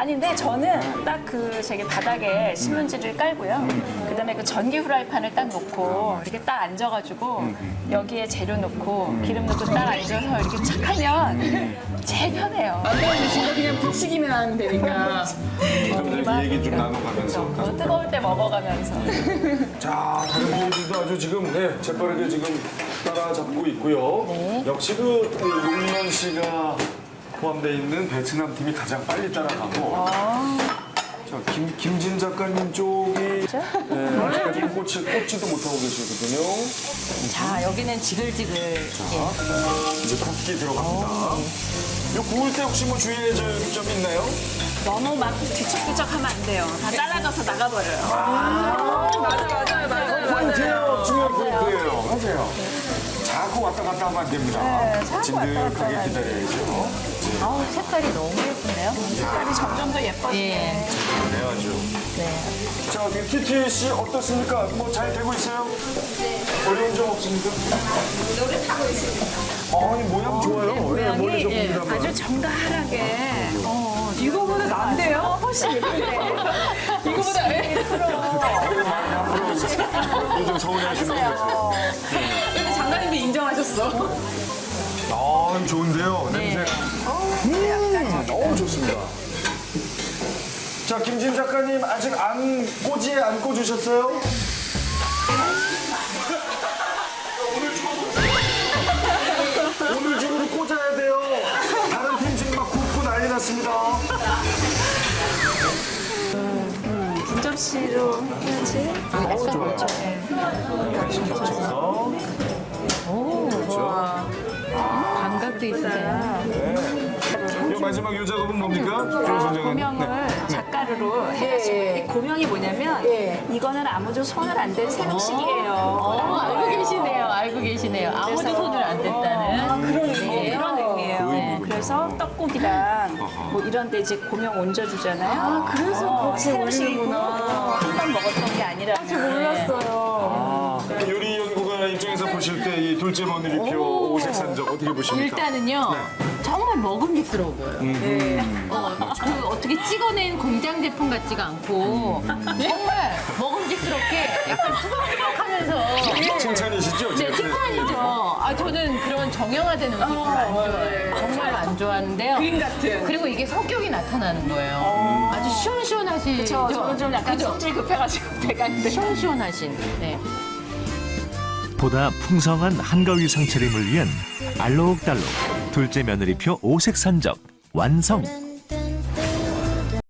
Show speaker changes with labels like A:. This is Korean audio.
A: 아니, 근데 저는 딱 그 저기 바닥에 신문지를 깔고요. 그다음에 그 전기 후라이팬을 딱 놓고 이렇게 딱 앉아가지고 여기에 재료 넣고 기름 넣고 딱 앉아서 이렇게 착 하면 제일 편해요.
B: 만들어주시고 그냥 부치기만 하면 되니까.
C: 이 얘기 좀 나눠가면서.
A: 뜨거울 때 먹어가면서.
C: 자, 다른 분들도 아주 지금 재빠르게 지금 따라잡고 있고요. 역시 그 용만 씨가 포함되어 있는 베트남 팀이 가장 빨리 따라가고. 자, 김진 작가님 쪽이 아직까지 꽂지도 못하고 계시거든요.
A: 자, 여기는 지글지글.
C: 이제 굽기 들어갑니다. 이거 구울 때 혹시 뭐 주의해야 될 점이 있나요?
A: 너무 막 뒤척뒤척하면 안 돼요. 다 따라가서 나가버려요.
B: 맞아요.
C: 포인트예요. 중요한 포인트예요. 맞아요. 자꾸 왔다 갔다 하면 안 됩니다.
A: 자꾸 왔다 갔다
C: 진득하게
A: 하면
C: 기다려야죠.
D: 아우, 색깔이 너무 예쁜데요?
A: 색깔이 점점 더 예뻐지네.
D: 예.
C: 네, 아주.
D: 네.
C: 자, 어떻게 TT 씨 어떻습니까? 뭐 잘 되고 있어요? 어려운 점 없습니까? 노력하고 있습니다. 아니, 모양 좋아요. 네, 멀리 좀 봅니다만.
A: 아주 정갈하게.
B: 이거보다 난데요? 훨씬 예쁜데. 이거보다
C: 요즘 서운해하시는 거죠?
B: 근데 장관님도 인정하셨어.
C: 아, 좋은데요. 냄새. 너무 좋습니다. 자, 김진 작가님 아직 꼬지에 안 꽂으셨어요? 오늘 중으로 꽂아야 돼요. 다른 팀 지금 막 굽고 난리 났습니다.
A: 분접시로 해야지.
C: 좋아요. 시켜서. 그렇죠.
D: 감각도 있으세요.
C: 이 마지막 요 작업은 뭡니까? 김선정은.
A: 고명을 작가루로 해가지고 이 고명이 뭐냐면 이거는 아무도 손을 안 댄 새벽식이에요.
D: 알고 계시네요. 알고 계시네요. 아무도
A: 그래서-
D: 손을 안 댔다는.
A: 그런 의미예요. 네, 그래서 떡국이랑 뭐 이런 데 이제 고명 얹어주잖아요. 그래서 새벽식이구나. 한 번 먹었던 게 아니라. 몰랐어요.
C: 요리 연구가 입장에서 보실 때 이 둘째 며느리표 오색 산적 어떻게 보십니까?
D: 일단은요, 정말 먹음직스러워 보여요. 그 어떻게 찍어낸 공장 제품 같지가 않고, 정말 먹음직스럽게 약간 투박투박하면서.
C: 칭찬이시죠?
D: 네, 칭찬이죠. 아, 저는 그런 정형화된 음식 별로 안 좋아해요. 정말 안 좋아하는데요.
B: 그림 같은.
D: 그리고 이게 성격이 나타나는 거예요. 아주 시원시원하시죠?
A: 저는 좀 약간
D: 그죠?
A: 성질 급해가지고 배가는데.
D: 시원시원하신. 네.
E: 보다 풍성한 한가위 상차림을 위한 알록달록 둘째 며느리표 오색 산적 완성.